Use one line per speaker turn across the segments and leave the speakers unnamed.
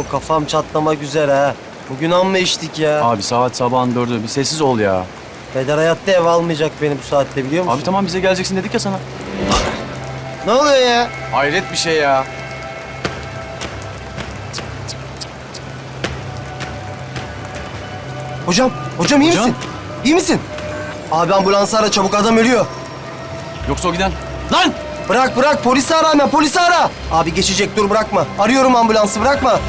kafam çatlamak üzere ha. Bugün amma içtik ya.
Abi saat sabahın 4'ü. Bir sessiz ol ya.
Peder hayatta ev almayacak beni bu saatte biliyor musun?
Abi tamam bize geleceksin dedik ya sana.
Ne oluyor ya?
Hayret bir şey ya.
Hocam iyi
Hocam?
misin? İyi misin? Abi ambulansı ara çabuk, adam ölüyor.
Yoksa o giden... Lan!
Bırak polisi ara hemen, polisi ara. Abi geçecek, dur bırakma. Arıyorum ambulansı, bırakma.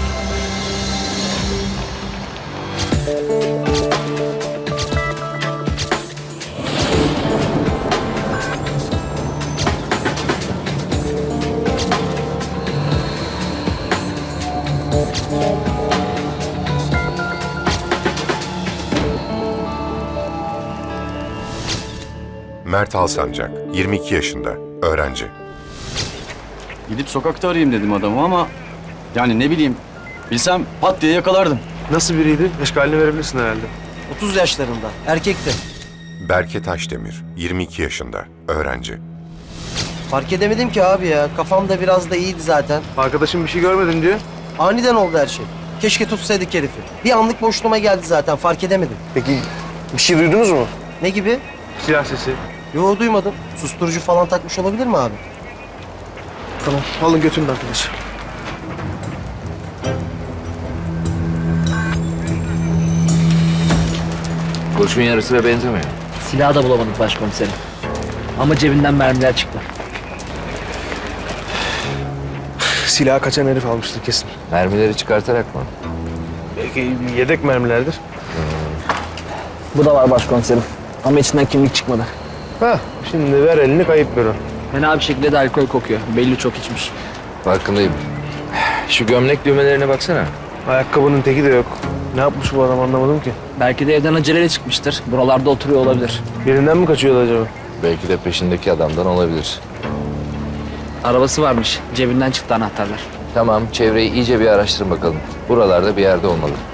Mert Alsancak, 22 yaşında, öğrenci.
Gidip sokakta arayayım dedim adamı ama... Yani ne bileyim, bilsem pat diye yakalardım.
Nasıl biriydi? Eşkalini verebilirsin herhalde.
30 yaşlarında, erkekti.
Berke Taşdemir, 22 yaşında, öğrenci.
Fark edemedim ki abi ya. Kafam da biraz da iyiydi zaten.
Arkadaşım bir şey görmedim diyor.
Aniden oldu her şey. Keşke tutsaydık herifi. Bir anlık boşluğuma geldi zaten, fark edemedim.
Peki bir şey duydunuz mu?
Ne gibi?
Silah sesi.
Yo, duymadım. Susturucu falan takmış olabilir mi abi?
Tamam, alın götürün arkadaşı.
Kurşun yarısına benzemiyor.
Silahı da bulamadık başkomiserim. Ama cebinden mermiler çıktı.
Silahı kaçan herif almıştır kesin.
Mermileri çıkartarak mı?
Belki yedek mermilerdir.
Bu da var başkomiserim. Ama içinden kimlik çıkmadı.
Hah, şimdi ver elini, kayıp büro.
Fena bir şekilde de alkol kokuyor. Belli çok içmiş.
Farkındayım. Şu gömlek düğmelerine baksana.
Ayakkabının teki de yok. Ne yapmış bu adam anlamadım ki.
Belki de evden aceleyle çıkmıştır. Buralarda oturuyor olabilir.
Birinden mi kaçıyordu acaba?
Belki de peşindeki adamdan olabilir.
Arabası varmış. Cebinden çıktı anahtarlar.
Tamam, çevreyi iyice bir araştırın bakalım. Buralarda bir yerde olmalı.